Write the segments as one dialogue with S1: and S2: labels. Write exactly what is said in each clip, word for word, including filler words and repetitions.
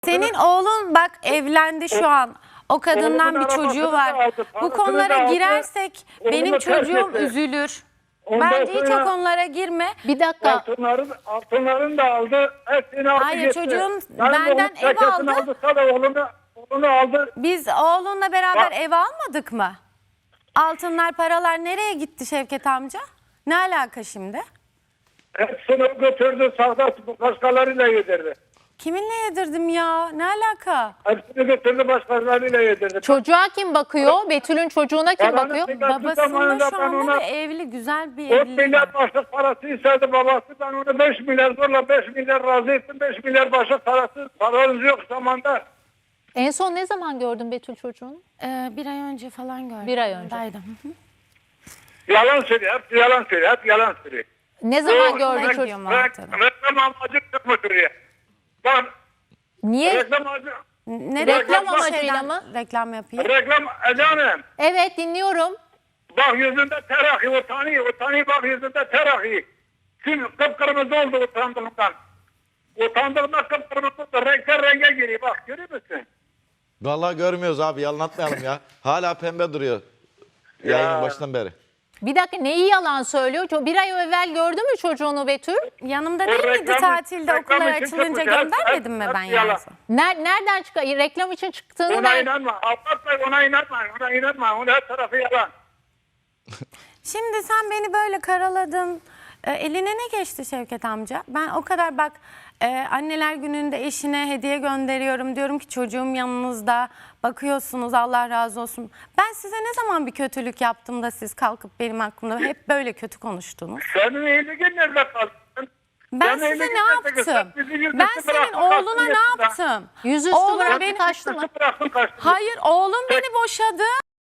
S1: Senin oğlun bak evlendi şu an. O kadından bir çocuğu var. Bu konulara girersek benim çocuğum üzülür. Bence hiç o konulara girme.
S2: Bir dakika.
S3: Altınların, altınların da aldı. Hepsini aldı
S1: Hayır,
S3: gitti.
S1: çocuğun
S3: Yani
S1: benden
S3: onun
S1: ev
S3: tekesini
S1: aldı.
S3: Aldı, oğlunu, oğlunu aldı.
S1: Biz oğlunla beraber
S3: Bak.
S1: ev almadık mı? Altınlar, paralar nereye gitti Şevket amca? Ne alaka şimdi?
S3: Hepsini götürdü. Sağda başkalarıyla yedirdi.
S1: Kiminle yedirdim ya? Ne alaka?
S3: Hepsini götürdü başkalarıyla yedirdi.
S2: Çocuğa kim bakıyor? Betül'ün çocuğuna kim
S3: Paranın
S2: bakıyor?
S3: sigortası
S1: Babasında
S3: zamanında
S1: şu
S3: ben
S1: anda
S3: ona
S1: da evli, güzel bir
S3: dört
S1: evliliği var.
S3: milyar başlık parası istedi babası. Ben onu beş milyar zorla beş milyar razı ettim. beş milyar başlık parası. Paramız yok zamanda.
S2: En son ne zaman gördün Betül çocuğunu?
S1: Ee, bir ay önce falan gördüm.
S2: Bir ay önce.
S1: Daydım. Hı hı.
S3: Yalan söylüyor. Hep yalan söylüyor. Hep yalan söylüyor.
S2: Ne zaman
S3: O-
S2: gördün
S1: ne
S2: çocuğu?
S1: diyorum?
S3: Rek- Reklam amacı çıkmış oraya. Ben
S2: Niye?
S3: reklam amacı...
S1: Ne
S2: Reklam
S1: reklam
S2: amacıyla
S1: şeyden
S2: mı?
S1: Reklam yapayım.
S3: Reklam edenim.
S2: Evet, dinliyorum.
S3: Bak yüzünde terakki, utanıyor, utanıyor bak yüzünde terakki. Şimdi kıpkırmızı oldu utandığından. Utandığından kıpkırmızı oldu. Renkler renge giriyor bak görüyor musun?
S4: Vallahi görmüyoruz abi, yalan atmayalım ya. Hala pembe duruyor yayının başından beri.
S2: Bir dakika, neyi yalan söylüyor? Ço- Bir ay evvel gördü mü çocuğunu Betül?
S1: Yanımda
S3: O
S1: değil miydi
S3: reklam-
S1: tatilde,
S3: reklam
S1: okullar
S3: için
S1: açılınca
S3: çıkmış. Hep-
S1: göndermedim mi
S3: hep-
S1: ben
S3: hep yalan.
S1: yazı?
S2: Ner nereden çıkıyor? Reklam için çıktığını
S3: Ona
S2: ben...
S3: inanma. Avukat Bey ona inanma. Ona inanma. Onun her tarafı yalan.
S1: Şimdi sen beni böyle karaladın. Ee, eline ne geçti Şevket amca? Ben o kadar bak e, anneler gününde eşine hediye gönderiyorum. Diyorum ki çocuğum yanınızda, bakıyorsunuz, Allah razı olsun. Ben size ne zaman bir kötülük yaptım da siz kalkıp benim hakkımda hep böyle kötü konuştunuz?
S3: Senin iyiliğin nerede kaldı?
S1: Ben
S3: Senin
S1: size
S3: iyiliğin
S1: ne
S3: nerede? Sen
S1: yaptım?
S3: bizi yüzüstü
S1: Ben senin
S3: bıraktın,
S1: oğluna
S3: kaçtın
S1: ne
S3: yaşında.
S1: yaptım?
S2: Yüzüstü
S1: Oğlum
S2: bıraktı,
S1: beni
S2: kaçtı mı?
S3: Bıraktın kaçtın.
S1: Hayır, oğlum beni boşadı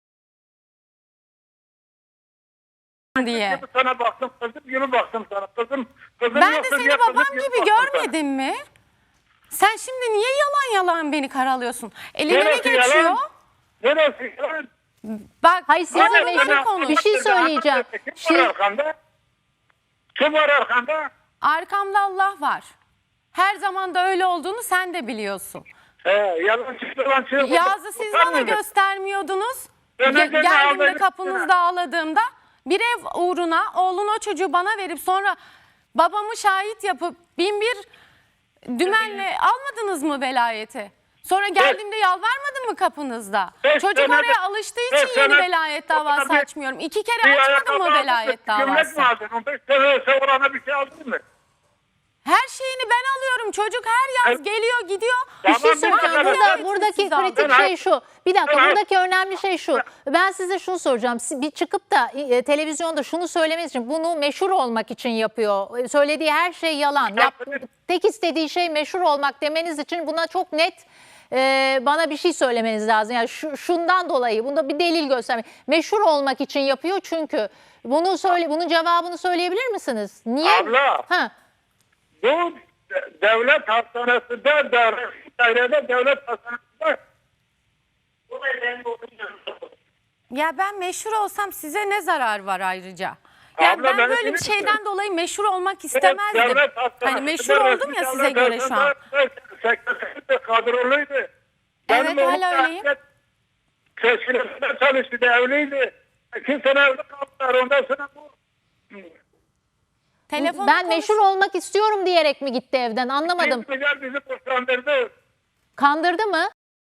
S1: diye.
S3: Gibi sana baktım kızım gibi baktım sana kızım. Kızım
S1: Ben de
S3: yoksa
S1: seni
S3: diye kızım
S1: babam gibi
S3: baktım sana.
S1: görmedim mi? Sen şimdi niye yalan yalan beni karalıyorsun? Eline ne
S3: Neresi
S1: geçiyor?
S3: yalan? Neresi yalan?
S1: Bak,
S2: Hayır, siz
S1: bana
S2: de
S1: doğru
S2: meşhur-
S1: konuş.
S2: bir şey söyleyeceğim.
S3: Kim
S2: Siz-
S3: var arkanda? Kim var arkanda?
S1: Arkamda Allah var. Her zaman da öyle olduğunu sen de biliyorsun.
S3: He, yalancı yalancı.
S1: Yazı siz bana göstermiyordunuz.
S3: Ben
S1: Ge-
S3: önceden
S1: geldiğimde
S3: ağladım.
S1: kapınızda ağladığımda bir ev uğruna oğlun o çocuğu bana verip sonra babamı şahit yapıp bin bir dümenle almadınız mı velayeti? Sonra geldiğimde yalvarmadın mı kapınızda?
S3: Beş
S1: Çocuk
S3: senede-
S1: oraya alıştığı
S3: beş
S1: için yeni
S3: sene-
S1: velayet davası
S3: Bir-
S1: açmıyorum. İki kere
S3: Bir
S1: açmadın mı
S3: ayakkabı
S1: velayet
S3: aldın, gömlek
S1: davası?
S3: mi aldın? on beş sene orana bir şey aldın mı?
S1: Her şeyini ben alıyorum. Çocuk her yaz
S3: Evet.
S1: geliyor gidiyor.
S2: Bir şey
S3: Tamam,
S2: söyleyeceğim.
S3: ben-
S2: Burada,
S1: ben-
S2: buradaki
S1: siz aldınız.
S2: kritik
S3: Ben-
S2: şey şu. Bir dakika,
S3: Ben-
S2: buradaki önemli şey şu. Ben size şunu soracağım. Siz bir çıkıp da e, televizyonda şunu söylemeniz için, bunu meşhur olmak için yapıyor. E, Söylediği her şey yalan. Yap, tek istediği şey meşhur olmak demeniz için buna çok net e, bana bir şey söylemeniz lazım. Yani şu, şundan dolayı, bunda bir delil göstermek. Meşhur olmak için yapıyor çünkü. Bunu söyle, bunun cevabını söyleyebilir misiniz? Niye?
S3: Abla.
S2: Ha.
S3: Bu de- devlet hastanesinde, de- dairede devlet hastanesinde. Bu da benim okuyorum.
S1: Ya ben meşhur olsam size ne zarar var ayrıca? Ya
S3: Abla,
S1: ben
S3: ben
S1: böyle bir
S3: de-
S1: şeyden dolayı meşhur olmak istemezdim.
S3: Devlet hastanesinde
S1: Hani meşhur oldum ya
S3: resmi
S1: size
S3: devlet
S1: göre şu an.
S3: sekreterinde kadroluydu.
S1: Evet, hala öyleyim.
S3: Teşkilatında çalıştı da evliydi. İki sene evli kaldılar. Ondan sonra bu...
S1: Telefonu
S2: Ben
S1: konuş-
S2: meşhur olmak istiyorum diyerek mi gitti evden? Anlamadım.
S3: Bir milyar bizi kurtardı.
S2: Kandırdı mı?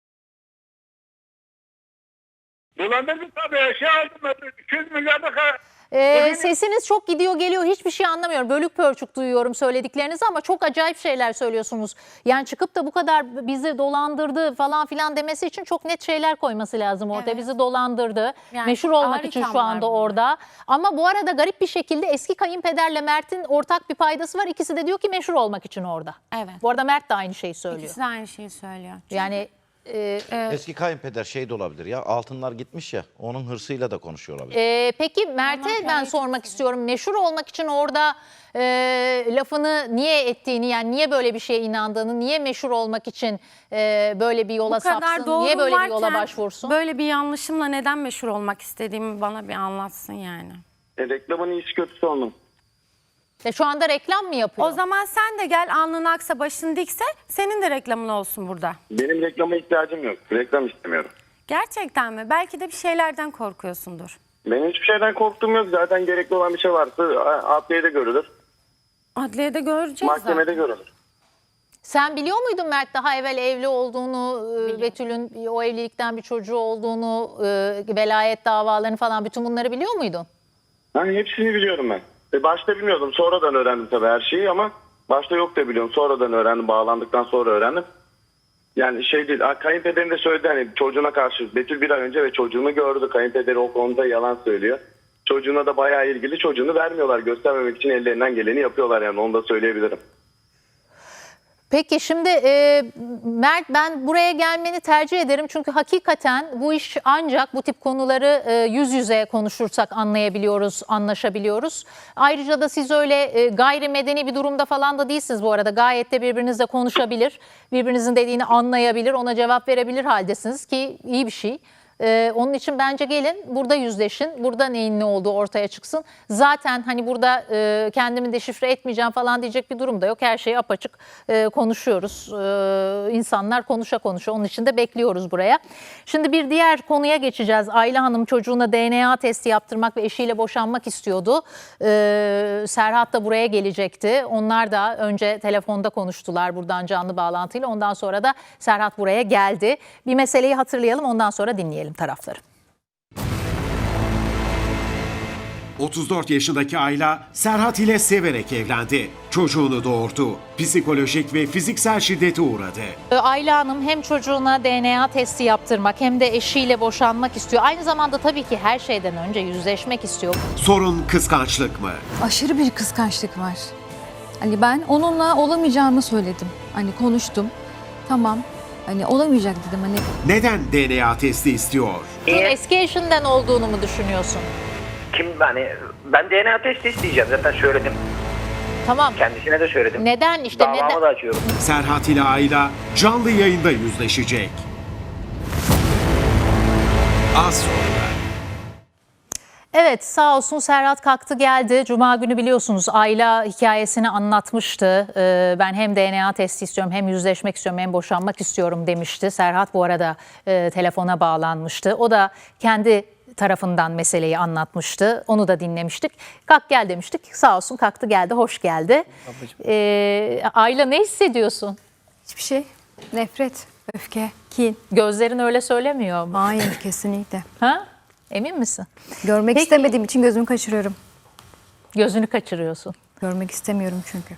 S3: Dolandırdı tabii. Eşya aldım. iki yüz milyar da...
S2: Ee,
S3: Bugün-
S2: sesiniz çok gidiyor geliyor, hiçbir şey anlamıyorum. Bölük pörçük duyuyorum söylediklerinizi ama çok acayip şeyler söylüyorsunuz. Yani çıkıp da bu kadar bizi dolandırdı falan filan demesi için çok net şeyler koyması lazım orada.
S1: Evet.
S2: Bizi dolandırdı.
S1: Yani
S2: Meşhur
S1: çok
S2: olmak
S1: ağır
S2: için şu
S1: ithamlar
S2: anda
S1: bunlar.
S2: orada. Ama bu arada garip bir şekilde eski kayınpederle Mert'in ortak bir paydası var. İkisi de diyor ki meşhur olmak için orada.
S1: Evet.
S2: Bu arada Mert de aynı şeyi söylüyor.
S1: İkisi de aynı şeyi söylüyor.
S2: Yani e,
S4: Eski kayınpeder şey de olabilir ya, altınlar gitmiş ya, onun hırsıyla da konuşuyor olabilir.
S2: Ee, peki Mert'e
S1: Aman
S2: ben
S1: parayı
S2: sormak
S1: çok
S2: istiyorum. Meşhur olmak için orada e, lafını niye ettiğini, yani niye böyle bir şeye inandığını, niye meşhur olmak için e, böyle bir yola
S1: Bu kadar
S2: sapsın,
S1: doğru
S2: niye böyle bir yola
S1: varken
S2: başvursun?
S1: Böyle bir yanlışımla neden meşhur olmak istediğimi bana bir anlatsın yani.
S5: E, reklamın iyisi kötüsü olmaz.
S2: E şu anda reklam mı yapıyor?
S1: O zaman sen de gel, alnın aksa başın dikse senin de reklamın olsun burada.
S5: Benim reklama ihtiyacım yok. Reklam istemiyorum.
S1: Gerçekten mi? Belki de bir şeylerden korkuyorsundur.
S5: Benim hiçbir şeyden korktuğum yok. Zaten gerekli olan bir şey varsa adliyede görülür.
S1: Adliyede göreceğiz
S5: Mahkemede
S1: zaten.
S5: görülür.
S2: Sen biliyor muydun Mert daha evvel evli olduğunu, e, Betül'ün o evlilikten bir çocuğu olduğunu, e, velayet davalarını falan, bütün bunları biliyor muydun?
S5: Yani hepsini biliyorum ben. E başta bilmiyordum. Sonradan öğrendim tabii her şeyi ama başta yok da biliyorum. Sonradan öğrendim. Bağlandıktan sonra öğrendim. Yani şey değil. Kayınpederin de söyledi hani çocuğuna karşı. Betül bir ay önce ve çocuğunu gördü. Kayınpederi o konuda yalan söylüyor. Çocuğuna da bayağı ilgili. Çocuğunu vermiyorlar. Göstermemek için ellerinden geleni yapıyorlar yani. Onu da söyleyebilirim.
S2: Peki şimdi e, Mert, ben buraya gelmeni tercih ederim. Çünkü hakikaten bu iş ancak bu tip konuları e, yüz yüze konuşursak anlayabiliyoruz, anlaşabiliyoruz. Ayrıca da siz öyle e, gayrimedeni bir durumda falan da değilsiniz bu arada. Gayet de birbirinizle konuşabilir, birbirinizin dediğini anlayabilir, ona cevap verebilir haldesiniz ki iyi bir şey. Ee, onun için bence gelin burada yüzleşin. Burada neyin ne olduğu ortaya çıksın. Zaten hani burada e, kendimi deşifre etmeyeceğim falan diyecek bir durum da yok. Her şeyi apaçık e, konuşuyoruz. E, insanlar konuşa konuşa. Onun için de bekliyoruz buraya. Şimdi bir diğer konuya geçeceğiz. Ayla Hanım çocuğuna D N A testi yaptırmak ve eşiyle boşanmak istiyordu. E, Serhat da buraya gelecekti. Onlar da önce telefonda konuştular buradan canlı bağlantıyla. Ondan sonra da Serhat buraya geldi. Bir meseleyi hatırlayalım, ondan sonra dinleyelim tarafları.
S6: otuz dört yaşındaki Ayla, Serhat ile severek evlendi. Çocuğunu doğurdu. Psikolojik ve fiziksel şiddete uğradı.
S2: Ayla Hanım hem çocuğuna D N A testi yaptırmak hem de eşiyle boşanmak istiyor. Aynı zamanda tabii ki her şeyden önce yüzleşmek istiyor.
S6: Sorun kıskançlık mı?
S7: Aşırı bir kıskançlık var. Hani ben onunla olamayacağımı söyledim. Hani konuştum. Tamam. Hani olamayacak dedim. Hani
S6: Neden D N A testi istiyor?
S2: Bunun eski eşinden olduğunu mu düşünüyorsun?
S8: Kim hani ben D N A testi isteyeceğim zaten söyledim.
S2: Tamam.
S8: Kendisine de söyledim.
S2: Neden işte
S8: Davamı
S2: neden?
S8: da açıyorum.
S6: Serhat ile Ayla canlı yayında yüzleşecek. Az sonra.
S2: Evet, sağ olsun Serhat kalktı geldi. Cuma günü biliyorsunuz Ayla hikayesini anlatmıştı. Ee, ben hem D N A testi istiyorum, hem yüzleşmek istiyorum, hem boşanmak istiyorum demişti. Serhat bu arada e, telefona bağlanmıştı. O da kendi tarafından meseleyi anlatmıştı. Onu da dinlemiştik. Kalk gel demiştik. Sağ olsun kalktı geldi, hoş geldi. Ee, Ayla ne hissediyorsun?
S7: hiçbir şey. Nefret, öfke, kin.
S2: Gözlerin öyle söylemiyor mu?
S7: Hayır, kesinlikle.
S2: Ha? Emin misin?
S7: Görmek
S2: Peki.
S7: istemediğim için gözümü kaçırıyorum.
S2: Gözünü kaçırıyorsun.
S7: Görmek istemiyorum çünkü.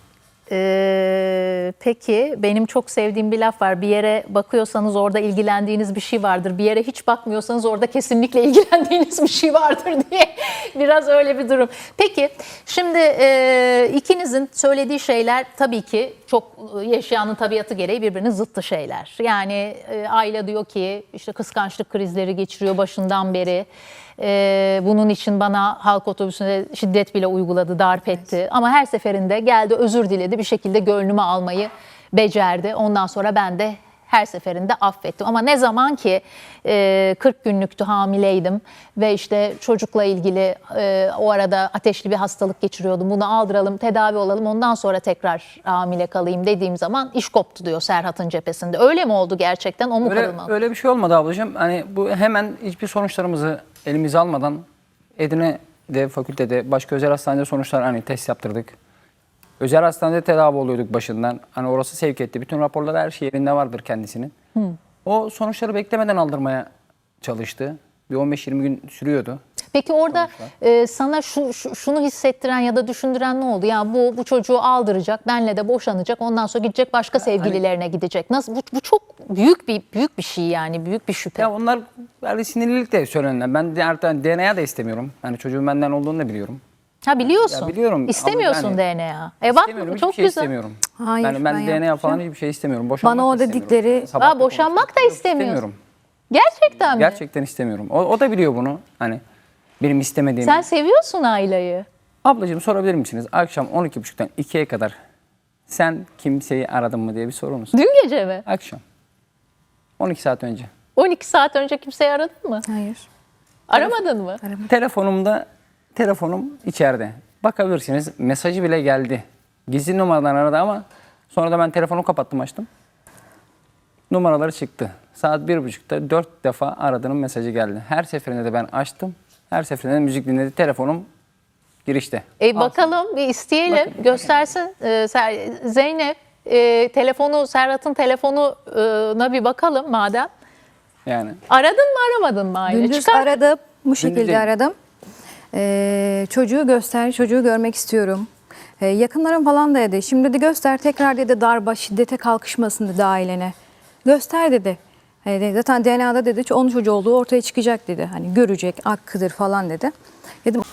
S2: Ee, peki benim çok sevdiğim bir laf var. Bir yere bakıyorsanız orada ilgilendiğiniz bir şey vardır. Bir yere hiç bakmıyorsanız orada kesinlikle ilgilendiğiniz bir şey vardır diye. Biraz öyle bir durum. Peki şimdi e, ikinizin söylediği şeyler tabii ki çok yaşayanın tabiatı gereği birbirinin zıttı şeyler. Yani e, Ayla diyor ki işte kıskançlık krizleri geçiriyor başından beri. Ee, bunun için bana halk otobüsünde şiddet bile uyguladı, darp etti. Ama her seferinde geldi, özür diledi, bir şekilde gönlümü almayı becerdi. Ondan sonra ben de her seferinde affettim. Ama ne zaman ki e, kırk günlüktü, hamileydim ve işte çocukla ilgili e, o arada ateşli bir hastalık geçiriyordum. Bunu aldıralım, tedavi olalım, ondan sonra tekrar hamile kalayım dediğim zaman iş koptu diyor Serhat'ın cephesinde. Öyle mi oldu gerçekten? O mu
S9: Öyle,
S2: kırılmadı?
S9: öyle bir şey olmadı ablacığım. Hani bu hemen hiçbir sonuçlarımızı elimize almadan Edirne'de, fakültede, başka özel hastanede sonuçlar hani test yaptırdık. Özel hastanede tedavi oluyorduk başından. Hani orası sevk etti. Bütün raporları her şey yerinde vardır kendisinin. Hı. O sonuçları beklemeden aldırmaya çalıştı. Bir on beş yirmi gün sürüyordu.
S2: Peki orada e, sana şu, şu şunu hissettiren ya da düşündüren ne oldu? Ya bu bu çocuğu aldıracak, benle de boşanacak, ondan sonra gidecek başka sevgililerine gidecek. Nasıl bu, bu çok büyük bir büyük bir şey yani, büyük bir şüphe.
S9: Ya onlar yani sinirlilik de söylenenler. Ben de artık D N A da istemiyorum. Yani çocuğun benden olduğunu da biliyorum.
S2: Ha biliyorsun.
S9: Ya biliyorum
S2: İstemiyorsun
S9: ama yani
S2: D N A. E bak
S9: İstemiyorum,
S2: çok
S9: hiçbir şey
S2: güzel.
S9: istemiyorum.
S7: Hayır,
S9: yani ben,
S7: ben
S9: D N A falan
S7: yapacağım.
S9: hiçbir şey istemiyorum. Boşanmak
S7: Bana o
S9: da istemiyorum.
S7: dedikleri-
S9: Sabah
S2: Aa, boşanmak da istemiyorsun.
S9: İstemiyorum.
S2: Gerçekten mi?
S9: Gerçekten istemiyorum. O, o da biliyor bunu. Hani benim istemediğimi.
S2: Sen seviyorsun Ayla'yı.
S9: Ablacığım sorabilir misiniz? Akşam on iki buçuktan ikiye kadar sen kimseyi aradın mı diye bir sorur musun?
S2: Dün gece mi?
S9: Akşam. on iki saat önce.
S2: on iki saat önce kimseyi aradın mı?
S7: Hayır.
S2: Aramadın mı?
S9: Telefonumda, telefonum içeride. Bakabilirsiniz. Mesajı bile geldi. Gizli numaradan aradı ama sonra da ben telefonu kapattım, açtım. Numaraları çıktı. Saat bir buçukta dört defa aradığım mesajı geldi. Her seferinde de ben açtım. Her seferinde de müzik dinledi. Telefonum girişte.
S2: E bakalım bir isteyelim. Göstersin e, Ser- Zeynep e, telefonu, Serhat'ın telefonuna bir bakalım madem.
S9: Yani
S2: Aradın mı aramadın mı Aile?
S7: Gündüz
S2: Çıkar.
S7: aradım. Bu şekilde
S9: değil.
S7: aradım. Ee, çocuğu göster, çocuğu görmek istiyorum. Ee, yakınlarım falan da dedi. Şimdi de göster, tekrar dedi darba, şiddete kalkışmasın dedi ailene. Göster dedi. Ee, zaten D N A'da dedi onun çocuğu olduğu ortaya çıkacak dedi. Hani görecek, hakkıdır falan dedi. Dedim